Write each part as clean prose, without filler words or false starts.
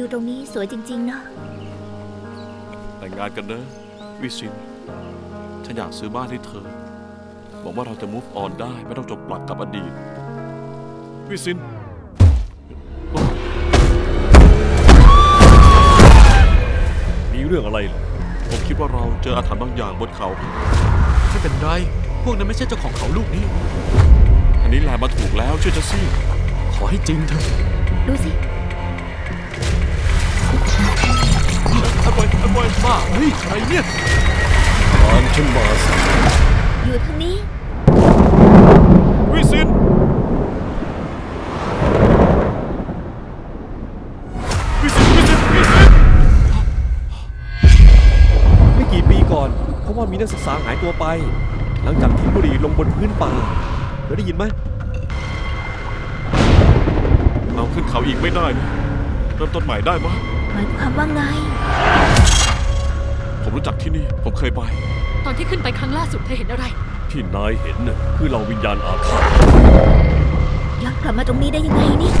ตรงนี้สวยจริงๆนะแต่งงานกันนะวิซินฉันอยากซื้อบ้านให้เธอหวังว่าเราจะ move on ได้ไม่ต้องจมปลักกับอดีตวิซินมีเรื่องอะไรเหรอผมคิดว่าเราเจออาถรรพ์บางอย่างบนเขาไม่เป็นไร พวกนั้นไม่ใช่เจ้าของเขาลูกนี้อันนี้แลมาถูกแล้วเชื่อจะสิขอให้จริงเถอะดูสิอันบอยบ้าเฮ้ยอะไรเนี่ยตามฉันมาสิอยู่ทางนี้วิซินวิซินวิซินวิซินไม่กี่ปีก่อนเพราะว่ามีนักศึกษาหายตัวไป หลังจากทิ้งบุหรี่ลงบนพื้นป่าเธอได้ยินไหมเราขึ้นเขาอีกไม่ได้นะเริ่มต้นใหม่ได้ไหมหมายความว่าไงผมรู้จักที่นี่ผมเคยไปตอนที่ขึ้นไปครั้งล่าสุดเธอเห็นอะไรที่นายเห็นน่ะคือเราวิญญาณอาฆาตย้อนกลับมาตรงนี้ได้ยังไงนี่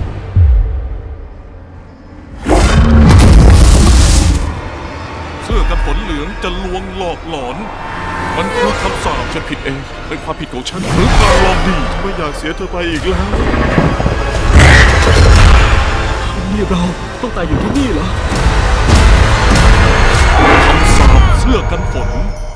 เสื้อกันฝนเหลืองจะลวงหลอกหลอน มันคือคำสาปฉันผิดเองเป็นความผิดของฉันหรือการลองดีไม่อยากเสียเธอไปอีกแล้วนี่เราต้องตายอยู่ที่นี่เหรอคำสาปเสื้อกันฝน